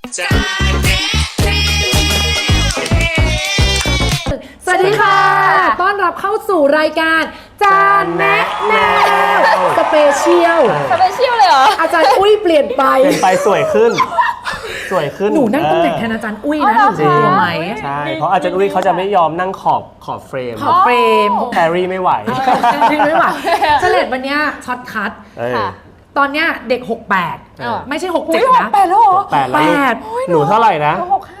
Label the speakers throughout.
Speaker 1: สวัสดีค่ะ ต้อนรับเข้าสู่รายการจานแนะแนวสเปเชียล
Speaker 2: เลยเหรอ
Speaker 1: อาจารย์อุ้ยเปลี่ยนไป
Speaker 3: สวยขึ้น
Speaker 1: หนูนั่งตำแหน่งแทนอาจารย์อุ้ยนะหนูรู้ไหม
Speaker 3: ใช่เพราะอาจารย์อุ้ยเขาจะไม่ยอมนั่งขอบเฟรมแฮร์รี่ไม่ไหว
Speaker 1: เฉลดวันนี้ช็อตคัทตอนเนี้ยเด็ก68ไม่ใช่67นะ
Speaker 2: 68แล้วเหรอ
Speaker 3: หนูเท่าไหร่นะ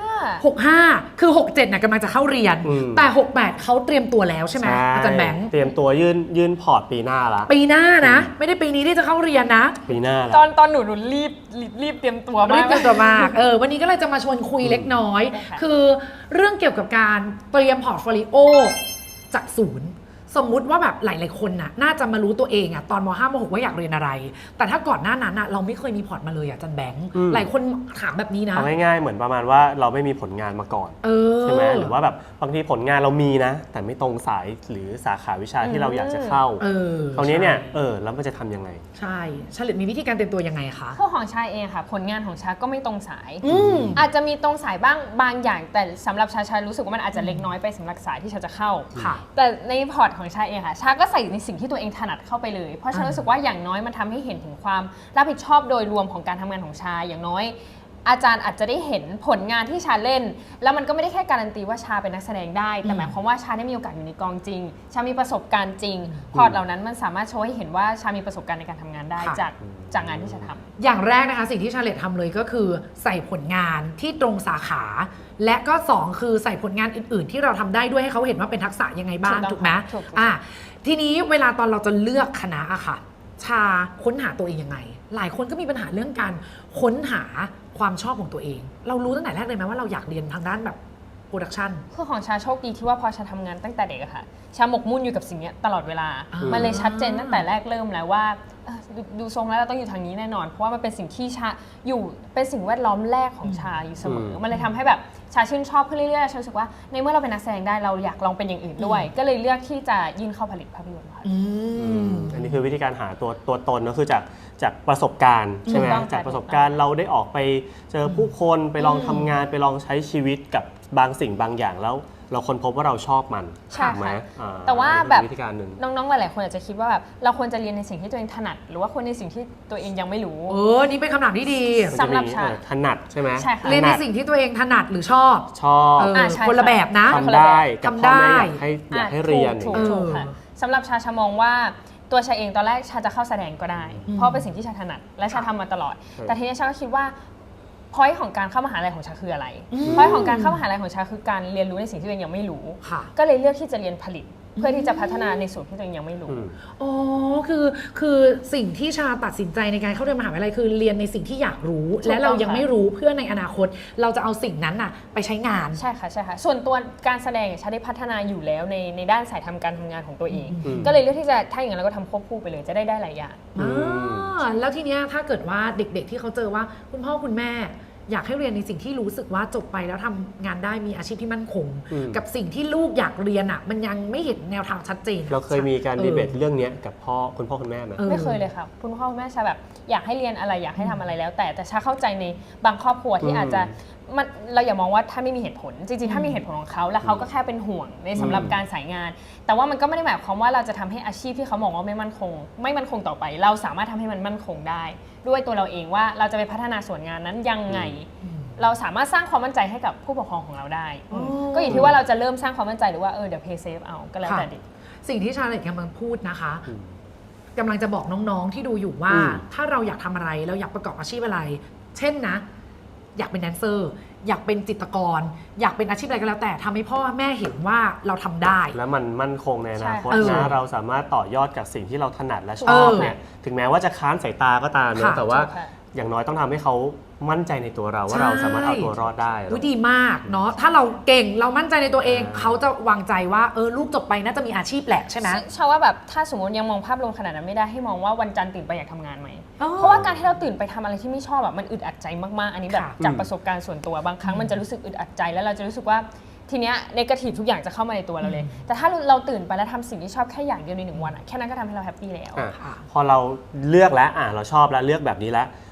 Speaker 1: 65คือ67น่ะกำลังจะเข้าเรียนแต่68เขาเตรียมตัวแล้วใช่ไหมอาจารย์แบงค์
Speaker 3: เตรียมตัวยื่นพอร์ตปีหน้าละ
Speaker 1: ปีหน้านะไม่ได้ปีนี้ที่จะเข้าเรียนนะ
Speaker 3: ปีหน้า
Speaker 2: ตอนหนูรีบเตรียมตัวมาก
Speaker 1: วันนี้ก็เลยจะมาชวนคุยเล็กน้อยคือเรื่องเกี่ยวกับการเตรียมพอร์ตโฟลิโอจากศูนย์สมมุติว่าแบบหลายๆคนน่าจะมารู้ตัวเองตอนม.5 ม.6 ว่าอยากเรียนอะไรแต่ถ้าก่อนหน้านั้นเราไม่เคยมีพอร์ตมาเลยอาจารย์แบงค์หลายคนถามแบบนี้นะ
Speaker 3: เอาง่ายๆเหมือนประมาณว่าเราไม่มีผลงานมาก่อนใช่ไหมหรือว่าแบบบางทีผลงานเรามีนะแต่ไม่ตรงสายหรือสาขาวิชาที่เราอยากจะเข้าคราวนี้เนี่ยแล้วมันจะทำยังไง
Speaker 1: ใช่เฉลิมมีวิธีการเตรียมตัวยังไงคะ
Speaker 2: คือของชาเองค่ะผลงานของชาก็ไม่ตรงสายอาจจะมีตรงสายบ้างบางอย่างแต่สำหรับชารู้สึกว่ามันอาจจะเล็กน้อยไปสำหรับสายที่ชาจะเข้าแต่ในพอร์ตของชาเองค่ะชาก็ใส่ในสิ่งที่ตัวเองถนัดเข้าไปเลยเพราะฉันรู้สึกว่าอย่างน้อยมันทำให้เห็นถึงความรับผิดชอบโดยรวมของการทำงานของชาอย่างน้อยอาจารย์อาจจะได้เห็นผลงานที่ชาเล่นแล้วมันก็ไม่ได้แค่การันตีว่าชาเป็นนักแสดงได้แต่หมายความว่าชาได้มีโอกาสอยู่ในกองจริงชามีประสบการณ์จริงพอร์ตเหล่านั้นมันสามารถโชว์ให้เห็นว่าชามีประสบการณ์ในการทำงานได้จากงานที่ชาทำ
Speaker 1: อย่างแรกนะคะสิ่งที่ชาเลตทำเลยก็คือใส่ผลงานที่ตรงสาขาและก็2คือใส่ผลงานอื่นๆที่เราทำได้ด้วยให้เขาเห็นว่าเป็นทักษะยังไงบ้างถูกไหมทีนี้เวลาตอนเราจะเลือกคณะอะค่ะชาค้นหาตัวเองยังไงหลายคนก็มีปัญหาเรื่องการค้นหาความชอบของตัวเองเรารู้ตั้งแต่แรกเลยไหมว่าเราอยากเรียนทางด้านแบบโปรดักชัน
Speaker 2: คือของชาโชคดีที่ว่าพอชาทำงานตั้งแต่เด็กอะค่ะชาหมกมุ่นอยู่กับสิ่งนี้ตลอดเวลามันเลยชัดเจนตั้งแต่แรกเริ่มแล้วว่าดูทรงแล้วเราต้องอยู่ทางนี้แน่นอนเพราะว่ามันเป็นสิ่งที่ชาอยู่เป็นสิ่งแวดล้อมแรกของชาอยู่เสมอมันเลยทำให้แบบชาชื่นชอบขึ้นเรื่อยๆชารู้สึกว่าในเมื่อเราเป็นนักแสดงได้เราอยากลองเป็นอย่างอื่นด้วยก็เลยเลือกที่จะยื่นเข้าผลิตภาพยนตร์ค่ะ
Speaker 3: อันนี้คือวิธีการหาตัวตนก็คือจากประสบการณ์ใช่ไหมจากประสบการณ์เราได้ออกไปเจอผู้คนไปลองทำงานไปลองใช้ชีวิตกับบางสิ่งบางอย่างแล้วเราค้นพบว่าเราชอบมัน
Speaker 2: ใช่ไหมแต่ว่าแบบน้องๆหลายๆคนอาจจะคิดว่าแบบเราควรจะเรียนในสิ่งที่ตัวเองถนัดหรือว่าควรในสิ่งที่ตัวเองยังไม่รู้
Speaker 1: นี่เป็นคำถามที่ดี
Speaker 3: สำหรับชาถนัดใช่ไหม
Speaker 1: เรียนในสิ่งที่ตัวเองถนัดหรือชอบคนละแบบนะ
Speaker 3: ทำได้กับพ่อแม่อยากให้เรียน
Speaker 2: ถูกค่ะสำหรับชามองว่าตัวชาเองตอนแรกชาจะเข้าแสดงก็ได้เพราะเป็นสิ่งที่ชาถนัดและชาทำมาตลอดแต่ทีนี้ชาก็คิดว่าพอยต์ของการเข้ามหาลัยของชาคืออะไรพอยต์ของการเข้ามหาลัยของชาคือการเรียนรู้ในสิ่งที่ตัวเองยังไม่รู้ก็เลยเลือกที่จะเรียนผลิตเพื่อที่จะพัฒนาในส่วนที่ตัวเองยังไม่รู้
Speaker 1: คือสิ่งที่ชาตัดสินใจในการเข้าเรียนมหาวิทยาลัยคือเรียนในสิ่งที่อยากรู้และเรายังไม่รู้เพื่อในอนาคตเราจะเอาสิ่งนั้นไปใช้งาน
Speaker 2: ใช่ค่ะส่วนตัวการแสดงชาได้พัฒนาอยู่แล้วในด้านสายการทำงานของตัวเองก็เลยเลือกที่จะถ้าอย่างนั้นเราก็ทำควบคู่ไปเลยจะได้หลายอย่าง
Speaker 1: แล้วทีเนี้ยถ้าเกิดว่าเด็กๆที่เขาเจอว่าคุณพ่อคุณแม่อยากให้เรียนในสิ่งที่รู้สึกว่าจบไปแล้วทำงานได้มีอาชีพที่มั่นคงกับสิ่งที่ลูกอยากเรียนมันยังไม่เห็นแนวทางชัดเจน
Speaker 3: เราเคยมีการดีเบตเรื่องนี้กับคุณพ่อคุณแม่ไหม
Speaker 2: ไม่เคยเลยค่ะคุณพ่อคุณแม่ชาแบบอยากให้เรียนอะไรอยากให้ทำอะไรแล้วแต่ชาเข้าใจในบางครอบครัวที่อาจจะเราอย่ามองว่าถ้าไม่มีเหตุผลจริงๆถ้ามีเหตุผลของเขาแล้วเขาก็แค่เป็นห่วงในสำหรับการสายงานแต่ว่ามันก็ไม่ได้หมายความว่าเราจะทำให้อาชีพที่เขามองว่าไม่มั่นคงต่อไปเราสามารถทำให้มันมั่นคงได้ด้วยตัวเราเองว่าเราจะไปพัฒนาส่วนงานนั้นยังไงเราสามารถสร้างความมั่นใจให้กับผู้ปกครองของเราได้ก็อยู่ที่ว่าเราจะเริ่มสร้างความมั่นใจหรือว่าเดี๋ยว pay safe เอาก็แล้วแต่เด็ก
Speaker 1: สิ่งที่ชาเลตกำลังพูดนะคะกำลังจะบอกน้องๆที่ดูอยู่ว่าถ้าเราอยากทำอะไรเราอยากประกอบอาชีพอะไรเช่นนะอยากเป็นแดนเซอร์อยากเป็นจิตรกรอยากเป็นอาชีพอะไรก็แล้วแต่ทำให้พ่อแม่เห็นว่าเราทำได้
Speaker 3: แล้วมันมั่นคงในอนาคตนะเราสามารถต่อยอดกับสิ่งที่เราถนัดและชอบเนี่ยถึงแม้ว่าจะค้านสายตาก็ตามนะแต่ว่าอย่างน้อยต้องทำให้เขามั่นใจในตัวเราว่าเราสามารถเอาตัวรอดได้
Speaker 1: ดีมากเนาะถ้าเราเก่งเรามั่นใจในตัวเองเขาจะวางใจว่าลูกจบไปน่าจะมีอาชีพแหละใช่ไหม
Speaker 2: ชาว่าแบบถ้าสมมติยังมองภาพรวมขนาดนั้นไม่ได้ให้มองว่าวันจันทร์ตื่นไปอยากทำงานไหมเพราะว่าการที่เราตื่นไปทำอะไรที่ไม่ชอบแบบมันอึดอัดใจมากๆอันนี้แบบจากประสบการณ์ส่วนตัวบางครั้งมันจะรู้สึกอึดอัดใจแล้วเราจะรู้สึกว่าทีเนี้ยเนกาทีฟทุกอย่างจะเข้ามาในตัวเราเลยแต่ถ้าเราตื่นไปแล้วทำสิ่งที่ชอบแค่อย่างเดียวใน1 วันแค่นั้นก็ทำให้เราแฮปปี้แล้ว
Speaker 3: พอเราเลือกแล้วเราชอบแล้วเลือกแบบนี้แล้ว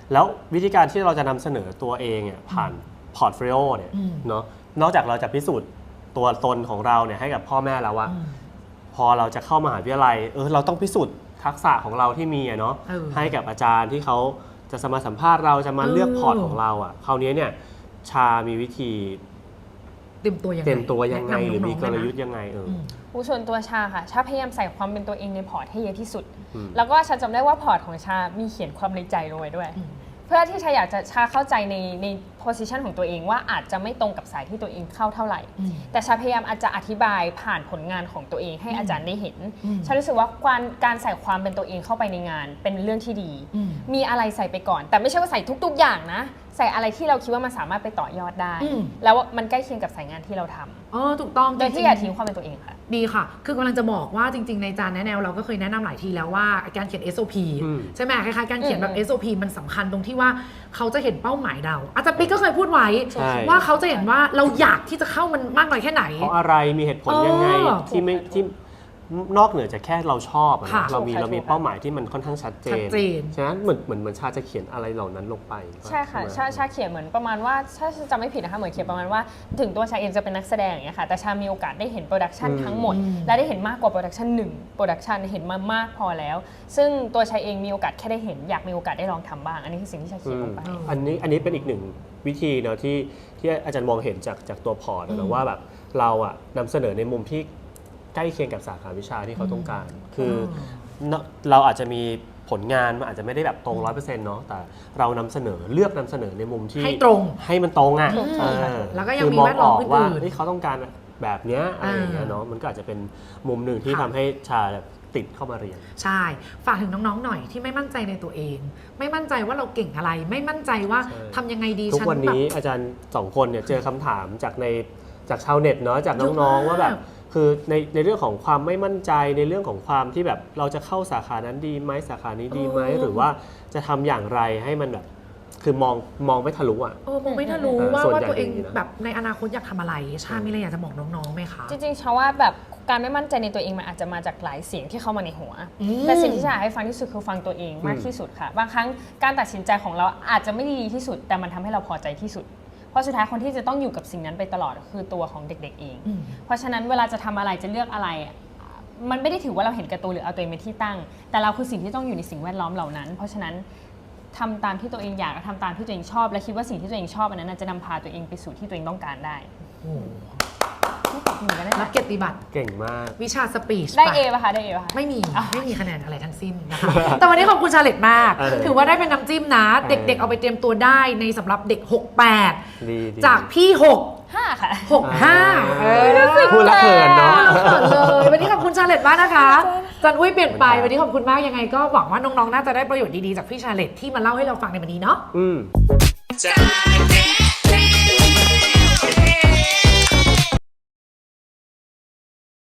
Speaker 3: แล้ววิธีการที่เราจะนำเสนอตัวเองเนี่ยผ่านพอร์ตโฟลิโอเนี่ยเนาะนอกจากเราจะพิสูจน์ตัวตนของเราเนี่ยให้กับพ่อแม่แล้วว่าพอเราจะเข้ามหาวิทยาลัยเราต้องพิสูจน์ทักษะของเราที่มีเนาะให้กับอาจารย์ที่เขาจะมาสัมภาษณ์เราจะมาเลือกพอร์ตของเราคราวนี้เนี่ยชามีวิธี
Speaker 1: เตรียมตัวยังไง
Speaker 3: หรือมีกลยุทธ์ยังไง
Speaker 2: ส่วนตัวชาค่ะชาพยายามใส่ความเป็นตัวเองในพอร์ตให้เยอะที่สุดแล้วก็ชาจำได้ว่าพอร์ตของชามีเขียนความในใจลงไว้ด้วยเพื่อที่ชาอยากจะชาเข้าใจในโพสิชันของตัวเองว่าอาจจะไม่ตรงกับสายที่ตัวเองเข้าเท่าไหร่แต่ชาพยายามอาจจะอธิบายผ่านผลงานของตัวเองให้อาจารย์ได้เห็นชารู้สึกว่าการใส่ความเป็นตัวเองเข้าไปในงานเป็นเรื่องที่ดีมีอะไรใส่ไปก่อนแต่ไม่ใช่ว่าใส่ทุกๆอย่างนะใส่อะไรที่เราคิดว่ามันสามารถไปต่อยอดได้แล้วมันใกล้เคียงกับสายงานที่เราทำ
Speaker 1: ถูกต้อง
Speaker 2: โดยที่อย่าทิ้งความเป็นตัวเองค่ะ
Speaker 1: ดีค่ะคือกำลังจะบอกว่าจริงๆในจานแนะแนวเราก็เคยแนะนำหลายทีแล้วว่าการเขียน SOP ใช่ไหมคล้ายๆการเขียนแบบ SOP มันสำคัญตรงที่ว่าเขาจะเห็นเป้าหมายเราอาจารย์ปิ๊กก็เคยพูดไว้ว่าเขาจะเห็นว่าเราอยากที่จะเข้ามันมากน้อยแค่ไหน
Speaker 3: เพราะอะไรมีเหตุผลยังไงที่นอกเหนือจากแค่เราชอบเรามีเป้าหมายที่มันค่อนข้างชัดเจนฉะนั้นเหมือนชาจะเขียนอะไรเหล่านั้นลงไป
Speaker 2: ใช่ค่ะชาเขียนเหมือนประมาณว่าถ้าจำไม่ผิดนะคะเหมือนเขียนประมาณว่าถึงตัวชาเองจะเป็นนักแสดงอย่างเงี้ยค่ะแต่ชามีโอกาสได้เห็นโปรดักชันทั้งหมดและได้เห็นมากกว่าโปรดักชัน1โปรดักชันเห็นมามากพอแล้วซึ่งตัวชาเองมีโอกาสแค่ได้เห็นอยากมีโอกาสได้ลองทำบ้างอันนี้คือสิ่งที่ชาเขียนลงไป
Speaker 3: อันนี้เป็นอีกหนึ่งวิธีเนาะที่อาจารย์มองเห็นจากตัวพอร์ตนะว่าแบบเรานำเสนอในมุมที่ใกล้เคียงกับสาขาวิชาที่เขาต้องการคือเราอาจจะมีผลงานมันอาจจะไม่ได้แบบตรง 100% เนาะแต่เราเลือกนำเสนอในมุมที่
Speaker 1: ให้ตรง
Speaker 3: ให้มันตรง
Speaker 1: แล้วก็ยังมีแวดล้อมอื่น
Speaker 3: ๆว่าเขาต้องการแบบนี้อะไรอย่างเงี้ยเนาะมันก็อาจจะเป็นมุมหนึ่งที่ทำให้ชาติดเข้ามาเรียน
Speaker 1: ใช่ฝากถึงน้องๆหน่อยที่ไม่มั่นใจในตัวเองไม่มั่นใจว่าเราเก่งอะไรไม่มั่นใจว่าทำยังไงดี
Speaker 3: ทุกวันนี้อาจารย์2คนเนี่ยเจอคำถามจากชาวเน็ตเนาะจากน้องๆว่าแบบคือในเรื่องของความไม่มั่นใจในเรื่องของความที่แบบเราจะเข้าสาขานั้นดีไหมสาขานี้ดีไหมหรือว่าจะทำอย่างไรให้มันแบบคือมองไม่ทะลุ
Speaker 1: มองไม่ทะลุว่าตัวเองแบบในอนาคตอยากทำอะไรชามีอะไรอยากจะบอกน้องๆไหมคะ
Speaker 2: จริงๆชาว่าแบบการไม่มั่นใจในตัวเองมันอาจจะมาจากหลายเสียงที่เข้ามาในหัวแต่สิ่งที่ชาให้ฟังที่สุดคือฟังตัวเองมากที่สุดค่ะบางครั้งการตัดสินใจของเราอาจจะไม่ดีที่สุดแต่มันทำให้เราพอใจที่สุดเพราะสุดท้ายคนที่จะต้องอยู่กับสิ่งนั้นไปตลอดคือตัวของเด็กๆเองเพราะฉะนั้นเวลาจะทำอะไรจะเลือกอะไรมันไม่ได้ถือว่าเราเห็นแก่ตัวหรือเอาตัวเองเป็นที่ตั้งแต่เราคือสิ่งที่ต้องอยู่ในสิ่งแวดล้อมเหล่านั้นเพราะฉะนั้นทำตามที่ตัวเองอยากทำตามที่ตัวเองชอบและคิดว่าสิ่งที่ตัวเองชอบอันนั้นจะนำพาตัวเองไปสู่ที่ตัวเองต้องการได้
Speaker 1: รับเกียรติบัตร
Speaker 3: เก่งมาก
Speaker 1: วิชาสปีช
Speaker 2: ได้เอป่ะคะได้เอป่ะ
Speaker 1: ไม่มีคะแนนอะไรทั้งสิ้นนะคะแต่วันนี้ขอบคุณชาเลตมากถือว่าได้เป็นน้ำจิ้มนะเด็กๆเอาไปเตรียมตัวได้ในสำหรับเด็ก68จากพี่
Speaker 2: 5ค่ะ
Speaker 1: 65
Speaker 3: พูดแล้วเขินเนาะ
Speaker 1: เลยวันนี้ขอบคุณชาเลตมากนะคะจันอุ้ยเปลี่ยนไปวันนี้ขอบคุณมากยังไงก็หวังว่าน้องๆน่าจะได้ประโยชน์ดีๆจากพี่ชาเลตที่มาเล่าให้เราฟังในวันนี้เนาะ